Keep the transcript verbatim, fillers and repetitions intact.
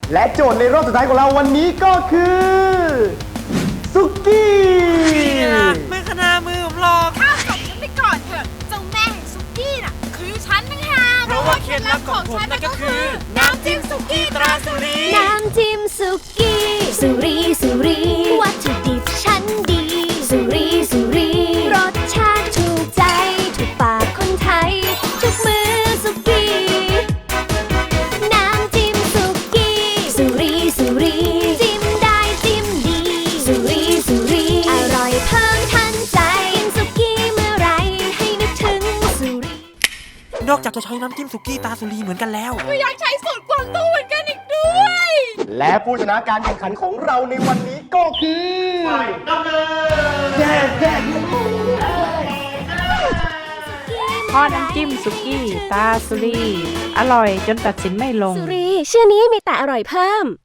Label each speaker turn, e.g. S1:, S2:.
S1: และโจทย์ในรอบสุดท้ายของเราวันนี้ก็คือสุกี้
S2: ไม่ขนามือผมหรอก
S3: ข้าวจบฉันไปก่อนเถอะเจ้าแม่แห่งสุกี้น่ะคือฉันนะฮะ
S2: เพราะว่าเคล็ดลับของผมนั่นก็คือน้ำจิ้มสุกี้ตราสุรี
S4: น้ำจิ้มสุกี้สุรีสุรีวัตถุดิบชั้นดีสุรีสุรีรสชาติถูกใจถูกปากคนไทยทุกมือสุกี้น้ำจิ้มสุกี้สุรีสุรีจิ้มได้จิ้มดีสุรีสุรีอร่อยเพิ่มทันใจกินสุกี้เมื่อไรให้นึกถึงสุรี
S2: นอกจากจะใช้น้ำจิ้มสุกี้ตราสุรีเหมือนกันแล้ว
S3: ก็อยากใช้สูตรกวางตุ้งเหมือนกันอีกด้วย
S1: และผู้ชนะการแข่งขันของเราในวันนี้ก็คือดำเนินแย่แย่
S5: ทอดน้ำจิ้มสุกี้ตาสุรีอร่อยจนตัดสินไม่ลง
S4: สุรีชื่อนี้มีแต่อร่อยเพิ่ม